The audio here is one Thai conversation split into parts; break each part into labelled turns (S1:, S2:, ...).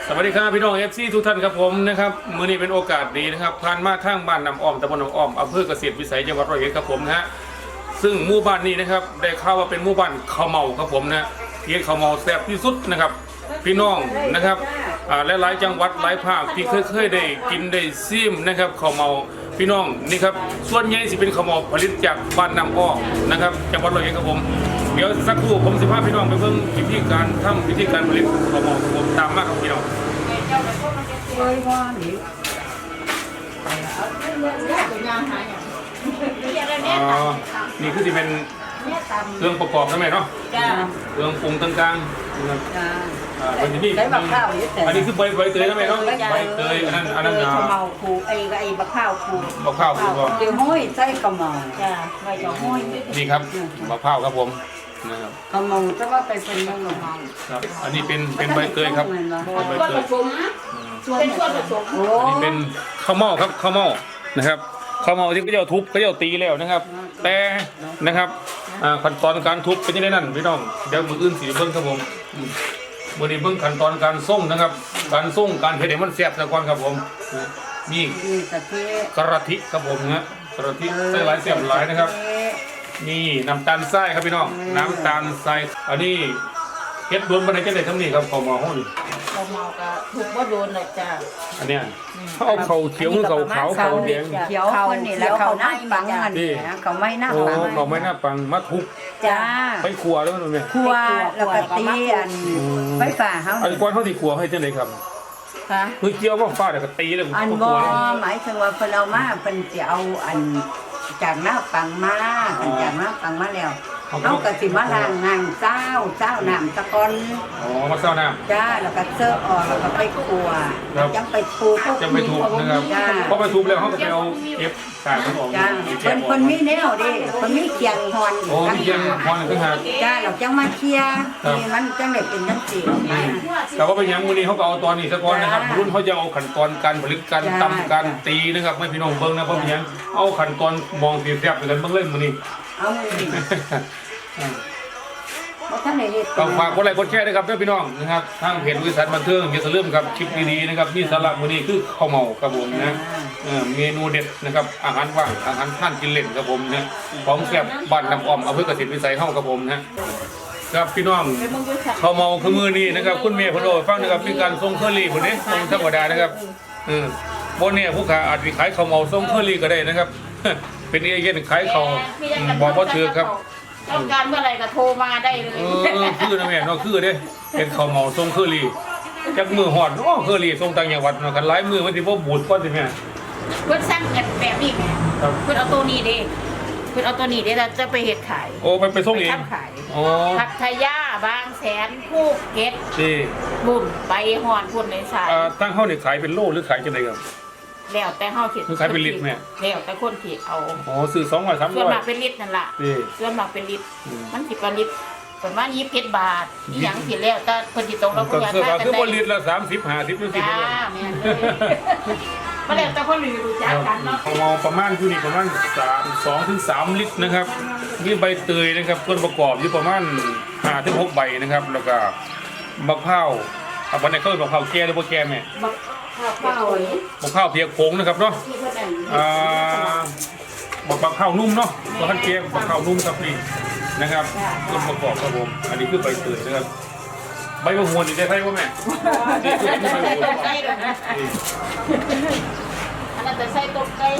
S1: สวัสดีครับพี่น้องFCทุกท่านครับผมนะครับมื้อนี้เป็นโอกาสดีนะครับผ่านมาทางบ้านน้ำอ้อมตำบลน้ำอ้อมอำเภอเกษตรวิสัยจังหวัดร้อยเอ็ดครับผมนะฮะซึ่งหมู่บ้านนี้นะครับได้ข่าวว่าเป็นหมู่บ้านข้าวเมาครับผมนะเฮ็ดข้าวเมาแซ่บที่สุดนะครับพี่น้องนะครับหลายๆจังหวัดหลายภาคที่เคยได้กินได้ซิมนะครับข้าวเมาพี่น้องนี่ครับส่วนใหญ่สิเป็นข้าวเมาผลิตจากบ้านน้ำอ้อมนะครับจังหวัดร้อยเอ็ดครับผมเดี๋ยวสักครู่ผมสิพาพี่น้องไปเบิ่งวิธีการทำวิธีการผลิตข้าวเมาครับผมตามมาครับพี่น้องนี่คือที่เป็นเครื่องประกอบใช่ไหมเนาะเครื่องปรุงต่างๆนะครับวันนี้อันนี้คือใบเตยใช่ไหมเนาะใบเตยอันนั้น
S2: ข้าวเมาคูไอ้บะข้าวคู
S1: ก็
S2: เดี๋ยวห้อยใส่ข้าวเมาจ้าใบจะห้อย
S1: นี่ครับมะพร้าวครับผมนะครับ
S2: ข้าวเมาจะว่าไปเป็นข้าวเมา
S1: ครับอันนี้เป็นใบเตยครับใบเตย
S2: เป็นส่วนผสม
S1: อันนี้เป็นข้าวเม่าครับข้าวเม่านะครับข้าวเม่าที่เขาจะทุบเขาจะตีแล้วนะครับแต่นะครับขั้นตอนการทุบเป็นยังไงนั่นพี่น้องเดี๋ยวมืออื่นสีเบิ้งครับผมมือนี้เบิ้งขั้นตอนการส่งนะครับการส่งการเฮ็ดให้มันแซ่บซะก่อนครับผมมีกระทิครับผมนะกระทิใส่หลายแซ่บหลายนะครับนี่น้ำตาลทรายครับพี่น้องน้ำตาลทรายอันนี้เฮ็ดโดนบันไดจังได๋ทั้งนี้ครับข้าวเม่าห้อง
S2: ข้าวเมาก็ถูกว่าโดนเลยจ้า
S1: อันเนี้ยเขาเอาข้าวเขียวข้าวขาวข้าวแดง
S2: เขียวข้าวนี่แล้วข้าวหน้าปังอันนี้ข้าวไม่หน้าปัง
S1: ข้าวไม่หน้าปังมาทุบ
S2: จ้า
S1: ไปขัวแล้วมันเป็น
S2: ขัวแล้วก็ตีอันไฟฟ้าเขา
S1: อันก้อนเขาตีขัวให้จังได๋ครับ
S2: ค่ะ
S1: คือเกี่ยวกับฟ้าแล้วก็ตีแล้ว
S2: อันบ่หมายถึงว่าเพิ่นเอามาเพิ่นสิเอาอันจากหน้าปังมาจากหน้าปังมาแล้วเขาก็สิมาล้างน้ำเจ้าน้ำตะกอน
S1: มาเจ้าน้
S2: ำจ้าแล้วก็เสิร์ฟออกแล้วก็ไปคั่วจังไปทุบ
S1: นะครับพอไปทุบแล้วเขาก็ไปเอาเก็บสารออก
S2: จ้าคนมีแนวดิคนมีเคียงฮอน
S1: เคียงฮอนคือหา
S2: จ้าเราจังมาเคลียร์นี่มันจังได้เป็นจังซี่
S1: แต่ว่าเป็นยังมื้อนี้เขาก็เอาตอนนี้ซะก่อนนะครับรุ่นเขาจะเอาขั้นตอนการผลิตการตำการตีนะครับไม่พี่น้องเบิ่งนะเพราะเป็นยังเอาขั้นตอนมองสีแซ่บกันเบิ่งเล่นมื้อนี้
S2: เอา
S1: ต้องฝากกดไลค์กดแชร์ด้วยครับพี่น้องนะครับทางเพจวิสัยบันเทิงอย่าลืมครับคลิปดีๆนะครับนี่สาระมื้อนี้คือข้าวเมาครับผมนะเมนูเด็ดนะครับอาหารว่างอาหารท่านกินเล่นครับผมนะของแซ่บบ้านน้ำอ้อมอำเภอเกษตรวิสัยเฮาครับผมนะครับพี่น้องข้าวเมาคือมื้อนี้นะครับคุณแม่เพิ่นบอกฟังนะครับเป็นการส่งเคอรี่พุ่นเด้ส่งธรรมดานะครับบ่เนี่ยผู้ค้าอาจสิขายข้าวเมาส่งเคอรี่ก็ได้นะครับเป็นเอเย่นขายข้าวบอกบ่ถูกครับ
S2: ต้องการเมื่อไหร่ก็โทรมาได้เลย
S1: คือนะแม่เนาะคือเด้เป็นข้าวเมาส่งเคอรี่จักมือฮอดเคอรี่ส่งต่างจังหวัดเนาะกันหลายมื้อมันสิบ่บูดก่อนสิแม่
S2: เพิ่นสั่งกันแบบนี้แม่เพิ่นเอาตัวนี้เด้เพิ่นเอาตัวนี้เด้แล้วจะไปเฮ็ดขาย
S1: ไปส่งเอง
S2: พัทยาบางแสนภูเก็ตบุ่มไปฮอดพุ่นในสาย
S1: ตั้งเฮานี่ขายเป็นโลหรือขายจังได๋ครับ
S2: แล้วแต่เฮาคิด
S1: ขายเป็นลิตรแม่
S2: แล้วแต่คนที่เอา
S1: ซื้อ200 300
S2: ส่วนมากเป็นลิตรนั่นล่ะส่วนมากเป็นลิตรมันสิเป็นลิตรประมาณ27 บาทอีหยังสิแล้วแต่เพิ่นสิตรงเรา
S1: ก็คือบ่ลิตรละ30 50จังซี่
S2: จ้าแม่นบ่แล้วแต่คนรู้จักกันเนาะ
S1: ประมาณอยู่นี่ประมาณ2 ถึง 3 ลิตรนะครับมีใบเตยนะครับส่วนประกอบอยู่ประมาณ5 ถึง 6 ใบนะครับแล้วก็มะพร้าววันนี้เขาบอกมะพร้าวแก่หรือบ่แก่แม่มะพร้าวเพียกผงนะครับเนาะมะพร้าวนุ่มเนาะมะพร้าวแก่มะพร้าวนุ่มครับนี่นะครับส่วนประกอบครับผมอันนี้คือใบเตยนะครับใบมะม่วงนี่ได้ใช่ป่ะแม่นี่คือใบมะม่วง
S2: อันนั้นจะใส่ต้มไก่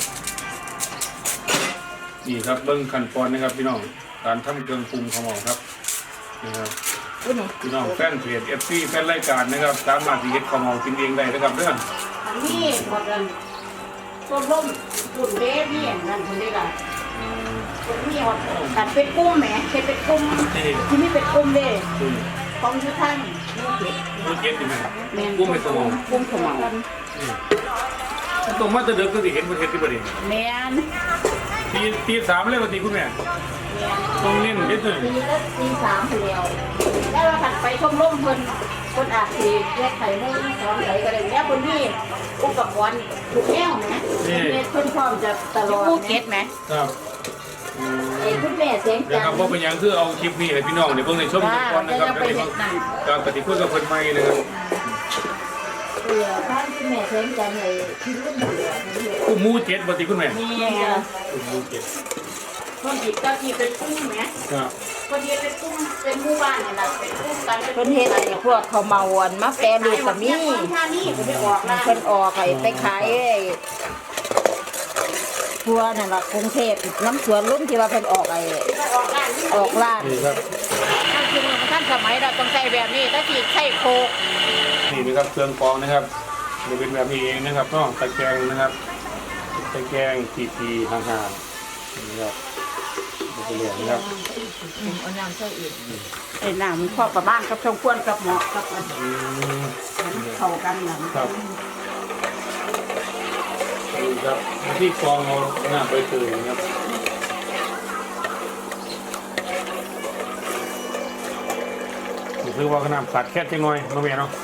S1: นี่ครับเบิ้งขั้นตอนนะครับพี่น้องการทำเครื่องปรุงข้าวเมาครับนะครับพี่น้องแฟนเพจ FC แฟนรายการนะครับสามารถที่เฮ็ดข้าวเมากินเองได้นะครับเรื่อง
S2: นี่หมดเลยต้มร่มตุ่นเด้นี่นั่นคนได้ละคนนี้หมดตัดเป็นกุ้งแหมเป็นกุ้งที่นี่เป็นกุ้งเด้ของทุกท่าน
S1: กุ้งเย็นดีไหมกุ้งเป็นตัว
S2: กุ้งขม
S1: ตัวมาจะเดิมก็สิเห็นประเทศที่ประเดี๋ยว
S2: แม่น
S1: ตี 3เลยวันที่คุณแม่ต้องเล่นเด็ดเลย
S2: ตี 3เดียวแล้วเราถัดไปชมร่มคนอาชีพแยกไข่มุ้งสอนไหลก็ได้แล้วคนที่อุปกรณ์ถูกแก้วไหมเพื่อนพร้อมจะตลอดภูเก็ตไหม
S1: ครับ
S2: ไอ้คุณแม่เสียง
S1: เดี๋ยว
S2: จั
S1: ครับ
S2: น
S1: ว่าเป็นยังคือเอาคลิปนี้ให้พี่น้องในเบื้องในช่วงนี้ก่อนนะครับแล้วก็การปฏิพูดกับคนใหม่นะครับ
S2: ท่านคุณแม่เสียงจันเลยที่รุ่นเหลือ
S1: กู้มูเจ็ดปฏิคุณแม่
S2: นี่ไง
S1: กู้มูเจ็ด
S2: คนอีกก็ที่เป็นกุ้งไหม
S1: ครับ
S2: คนที่เป็นกุ้งเป็นหมู่บ้านนี่แหละเป็นกุ้งกัน
S3: เพิ่นเฮ็ดไอ้พวกข้าวเมาอันมาแปรรูปก็มี
S2: ท่านี่ก็ไม่ออกนะ
S3: เพิ่นออกไอ้ไปขายไอ้ทัวนั่นล่ะกรุงเทพน้ำสวนลุ่มที่ว่าเพิ่นออกไอ้
S2: ออกร้าน
S3: ออกร้าน
S1: นี่ครับ
S3: ท่านคือท่านสมัยเราต้องใช้แบบนี้ถ้าสิใช้โคก
S1: นี่นะครับเครื่องกรองนะครับจะเป็นแบบนี้เองนะครับก็ตะแกรงนะครับตะแกรงทีห่างๆนี่ครับเป็นเหลืองนะครับ
S3: เอาน้ำใส่อีก
S2: ไอ้น้ำมันพอประมาณกับช่องควรกับเหมาะกับอัน
S1: อืม
S2: เข้ากันนะ
S1: ครับนี่ครับที่กรองเอาหน้าไปตื่นนะครับคือว่าขนาดขาดแค่จังหน่อยน้องแม่เนาะ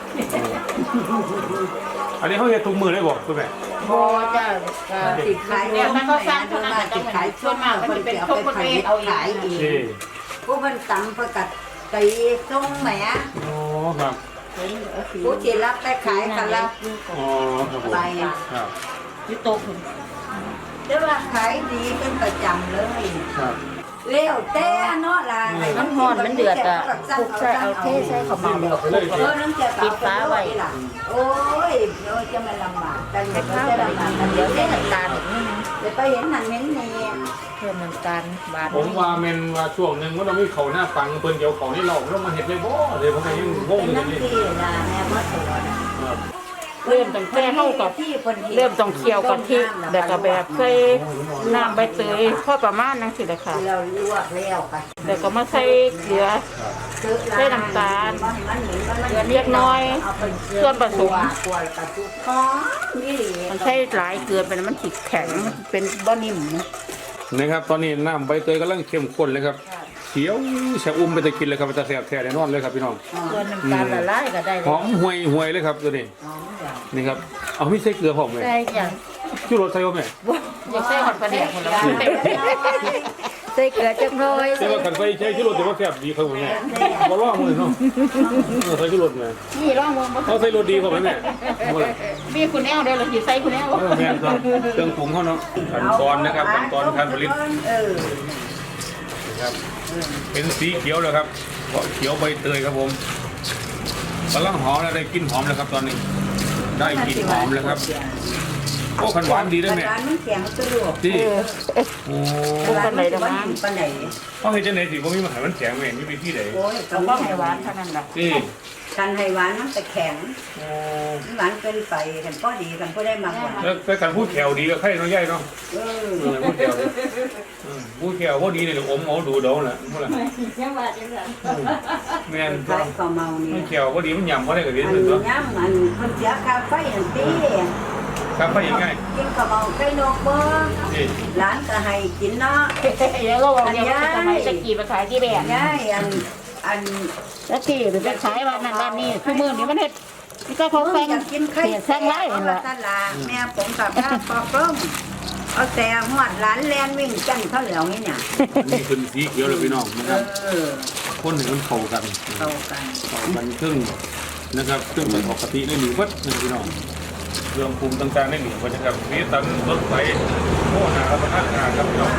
S1: อันนี้เขาเห็นทุกมือได้บอกคุณแม่
S3: บ่จ้ะ
S4: ติดขาย
S2: เนี่ยมันก็สร้าง
S4: เพิ่
S2: เท่าน นั้น
S4: มา
S2: แต่
S4: ติด
S2: มัน
S4: ขาย
S2: ส่วนมากมันจะเป็นพวกคนเองเอาเอง
S4: ขายอีก
S1: นี่
S4: ผู้เพิ่นตำประกัดตีส่งแหม
S1: อ๋อครับ
S4: ผู้ที่รับไปขายกันละ
S1: อ๋อครับผม
S4: ไป
S1: ครับ
S3: อยู่โต๊ะพุ่น
S4: แต่ว่าขายดีเป็นประจำเลย
S1: ครับ
S4: เลี้ยวแต่เนาะล่ะ
S3: มันฮ้อนมันเดือดอ่ะคลุกใส่เอาเทใส่ข้าวเมาแล้วก็คลุก
S4: เออน้ำเจียว
S3: ปิดฟ้าไว้
S4: ล่ะโอ้ยเดี๋ยวจะมาลำบากกัน
S3: ให้
S4: เดี๋ยว
S3: ข้าว
S4: จะ
S3: ไป
S4: ลำบากกัน
S3: เดี๋
S4: เดี๋
S3: ย
S4: ยว ว
S3: ใส่
S4: ได้
S3: น้ำตาลอีกนิดนึง
S4: เดี๋ยวไปเห็นนั่นเห็นนี่
S3: เพิ่มน้ำตาลบาด
S1: ผมว่าเมนว่าช่วงหนึ่งว่าเราไม่เขาหน้าฟังเพิ่นเกี่ยวเขานี่เราเรามาเห็นเลยบ่เลยผมก็ยังงง
S4: เป็น
S1: อยู่
S4: น้ำ
S1: นี่
S4: ที่ล่ะแม่มาตัวน่ะ
S1: ครับ
S3: เริ่มตั้งแต่เฮากับ
S4: ที่เพิ่นฮ็ด
S3: เริ่มต้องเคี่ยวกะทิแล้วก็แบบใส่น้ำใบเตยพอประมาณนั้นสิแหละค่ะ
S4: ที่เราลวกแล้วไป
S3: แล้วก็มาใส่เกลือ ใส่น้ำตาล
S4: เกลือ
S3: เล็กน้อยส่วนผสม
S4: กวนกระจุกหอมนี่
S3: มันใส่หลายเกลือไปแล้วมันสิแข็งมันเป็นบ่นิ่มนะ
S1: นะครับตอนนี้น้ำใบเตยกำลังเข้มข้นเลยครับเขียวแซ่บอุ้มไปจะกินเลยครับจะแซ่บแท้แน่นอนเลยครับพี่น้อง
S3: ส่วนน้ำตาลละลายก็ได้
S1: ห
S3: เล
S1: อย มห่วยเลยครับตัวนี้
S4: หอมอย่าง
S1: นี่ครับเอาไม่ใส่เกลือหอมเลย
S3: ใส่อย่าง
S1: ชูรสใส่บ่แม่
S3: อยากใส่หอดปลาแดกคนละใส่เกลือจักหน่อย
S1: แต่ว่าคันใส่ใช้ชูรสแต่ว่าแซ่บดีครับผมแม่บ่ร้องเลยเนาะใส่ชูรสแม่
S3: นี่ร่องวงบ่
S1: เขาใส่รสดีกว่าแม่บ่ล่ะ
S3: มีคุณแนวได้เลยสิใส่คุณแนว
S1: แม่นครับเครื่องปรุงเขาเนาะขั้นตอนนะครับขั้นตอนการผลิต
S4: เออ
S1: นะครับเป็นสีเขียวแล้วครับเขียวใบเตยครับผมกำลังหอมแล้วได้กลิ่นหอมแล้วครับตอนนี้ ได้กลิ่นหอมแล้วครับโอ้ขันหวานดีด้วยแม่
S4: ร้านมันแข็งสะดวก
S1: ที่
S3: เออ
S1: โอ้
S4: ร้านมันบ้านปานไหน
S1: เขาเห็นจังไหนสิว่ามีมหามันแข็งแม่มีวิธีไหน
S4: โอ้ย
S3: ต้องบ่ให้หวานเท่านั้นล่ะ
S1: ที่
S4: กันให้หวานมันจะแข็ง
S1: โอ้
S4: หวานเกินไปกันก็ดีกันก็ได้มากกว่า
S1: แล้วแต่การพูดแขวดีก็ใครน้อยใหญ่เนาะ
S4: เออ
S1: พูดแขวพูดแขวพอดีเลยอมเอาดูเดาแหละพูดละ
S2: ยังว่าจังซั่น
S1: แม่น
S4: ขายข้าวเมานี่
S1: มันแขวพอดีมันยำพอได้กับเรียน
S4: อัน
S1: เลย
S4: นี้
S1: เนาะ
S4: ย้ำอันคนเสียค่าไฟอันตี
S1: ครับไปยังไง
S4: กินข้าวเมาไก่นกบ่
S1: ที่
S4: ร้านก็ให้กินเนาะ
S3: เดี๋ยวเราบอกเนี่ยว่าสมัยตะกี้ไปขายที่แบบ
S4: ยายอัน
S3: ตะกี้หรือไปขายวันนั้นวันนี้คือมื้อนี้มันเฮ็ดนี่ก็เขาแซง
S4: อยากกินไข่
S3: เสียแซงไล่นั่น
S4: ละ
S3: ล่ะ
S4: ตลาแม่ผมกับข้าปอกล้มเอาแต่หอดร้านแลนวิ่งจันเขาเหลียวนี่เนี่ย
S1: นี่เป็นสีเขียวเลยพี่น้องนะครับ
S4: เออ
S1: คนหนึ่งมันเข้ากัน
S4: เข้ากัน
S1: เข้ากันครึ่งนะครับเครื่องปกติได้หนึ่งวัดนะครับพี่น้องเครื่องปรุงต่างๆได้หนึ่งวัดนะครับมีตันรถไฟโอ้หารับประทานอาหารครับพี่น้อง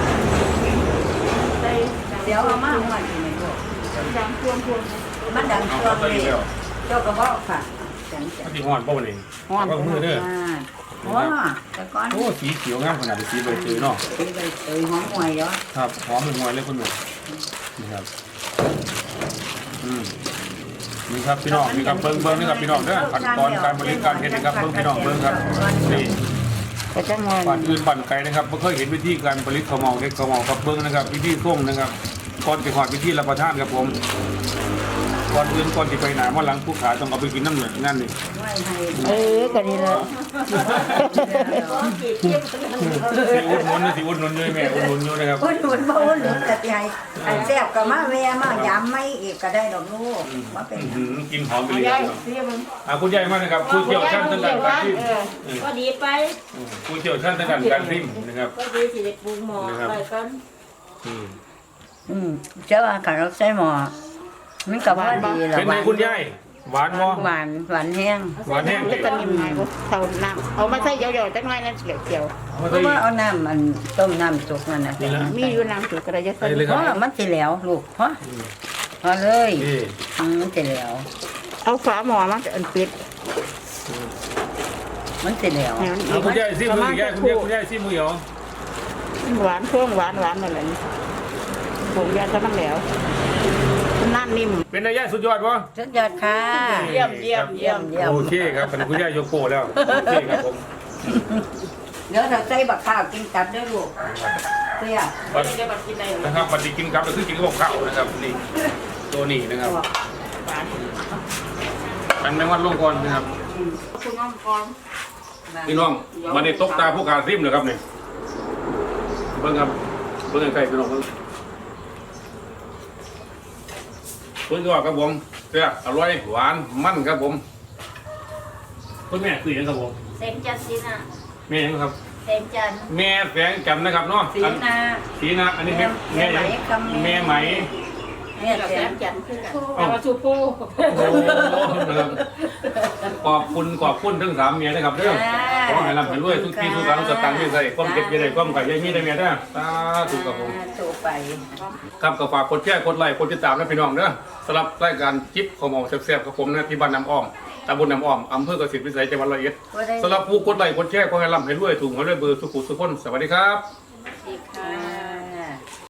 S4: เดี๋ยวเอามาหอดอยู่ในโลก
S3: ดังพวง
S4: มันดัง
S1: เอา
S4: ตัว
S1: เข้าไป
S4: เลย
S1: แล้ว
S4: เจ้ากระบอกค่ะจังจั
S1: อั
S4: ง
S1: นที่ห้อนป้าวันนี้
S3: ฮ้อน
S1: ว่ามือเด้อ
S4: โอ้แต่ก่อน
S1: โอ้สีเขียวงามขนาดสีใบเตยเนาะ
S4: ไปหอมหวยเนาะ
S1: ครับหอมเป็นมวยเลยคุณหนุ่มนี่ครับนี่ครับพี่น้องนี่ครับเบิ้งนี่ครับพี่น้องเด้อขั้นตอนการบริการเฮ็ดนะครับเบิ้งพี่น้องเบิ้งครับนี่
S3: ก็จังว่า
S1: ปั่นอื่นปั่นไกลนะครับไม่เคยเห็นวิธีการผลิตข้าวเมาเล็กข้าวเมาครับเบิ้งนะครับวิธีส่งนะครับก่อนจะหอดวิธีรับประทานครับผมก่อนอื่นก่อนจะไปไหนว่าหลังผู้ขายต้องเอาไปกินน้ำเหนือนั่นนี่
S4: ไม่ให้
S3: ก็นี่แหละ
S1: สิอุดหนุนนะสิอุดหนุนด้วยแม่อุดหนุนอยู่นะครับ
S4: คนหนุนบ่คนหนุนแต่ที่ให้อันแซ่บก็มาแวะมายำไม่อีกก็ได้ดอกลูกว่าเป็น
S1: กินหอมไปเลย
S3: ยาย
S1: ครับ
S3: เสียมึง
S1: คุณยายมากนะครับผู้เชี่ยวชาญทางด้านการพิมพ์
S2: ก็ดีไป
S1: ผู้เชี่ยวชาญทางด้านการพิมพ์นะครับ
S2: ก็ดีสิได้ปรุงหม้อไปกัน
S4: เจ้าว่าขันเราใส่หม้อมันก็พอดีละ
S1: เป็นไงคุณยายหวานบ่
S4: หวานแห้ง
S1: หวานแห้ง
S3: จะตะนิ่มไงบ่เท่าน้ำเอามาใส่เยอะๆจังหน่อยนั่นเกี่ยว
S1: เอามา
S4: เพ
S1: ใส่
S4: ราะว่าเอาน้ำมันต้มน้ำสุกนั่นน่ะ
S1: นี่ละ
S3: ๆมีอยู่น้ำจุกก็ได้จะใส่
S1: ใส่เลย
S4: เพ
S1: ครับ
S4: ราะมันสิแล้วลูกพอเลย
S1: นี่
S4: มันสิแล้ว
S3: เอาฝาหม้อมาอันปิด
S4: มันสิแล้ว
S3: ให้มัน
S1: เอาคุณยายซิ
S3: ประ
S1: มื
S3: มาณ
S1: อยาย
S3: สัก
S1: คุณ
S3: ครู่
S1: ยายซิมือเหรอ
S3: หวานเครื่องหวานนั่นแหละผงยาจะมันแล้วนั่นนิ่ม
S1: เป็นนายยายสุดยอดวะ
S4: สุดยอดค่ะ
S3: เยี่ยม
S4: เยี่ยม
S1: โอเคครับเป็นคุณยายโยโกแล้วโอเคครับผม
S4: เดี๋ยวเราใส่บักข้าวกินกับด้วยลูกเสีย
S1: บัด
S3: จะมากินได้
S1: นะครับบัดนี้กินครับก็คือกินกับข้าวนะครับนี่ตัวนี้นะครับ
S3: หวาน
S1: อันแมงวันลงก่อนนะครับ
S3: คุณน้องกร
S1: พี่น้องมันนี่ตกตาผู้การซิมเลยครับนี่เบิ่งครับเบิ่งใกล้ๆพี่น้องเบิ่งเบิ่งก็ครับผมแซ่บอร่อยหวานมันครับผมคุณแม่คือหยังครับผม
S4: เส้นจันทร์สีนา
S1: แม่หยังครับ
S4: เส้นจันทร์
S1: แม่แฝงจันทร์นะครับเนาะ
S4: สี
S1: อัน
S4: นา
S1: สีนะอันนี้แม่แม่หยังแม่ไหม
S4: เนี่ย
S3: กับ
S4: แส
S3: แซ
S4: น
S3: มจันทร์คือกันแต่ว่าชูปู
S1: โอ้โหนะครับขอบคุณทั้งสามเมียนะครับเด้อขอให้ร่ำให้รวยทุกปีทุกครั้งสตางค์ที่ใส่ความเก็บอยังไงความไข่ยังมีได้เมียเด้อสาธุครับผม
S4: ถูกไป
S1: ครับก็ฝากกดแชร์กดไลค์กดติดตามนะพี่น้องเด้อสำหรับรายการจิ๊บของหมอแซ่บๆกับผมนะที่บ้านน้ำอ้อมตำบลน้ำอ้อมอำเภอกเกษตรวิสัยจังหวัดร้อยเอ็ดสำหรับผู้กดไลค์กดแชร์ขอให้ร่ำให้รวยถูกหวยรวยเบอร์สุขุสุขคนสวัสดีครับ
S4: ดี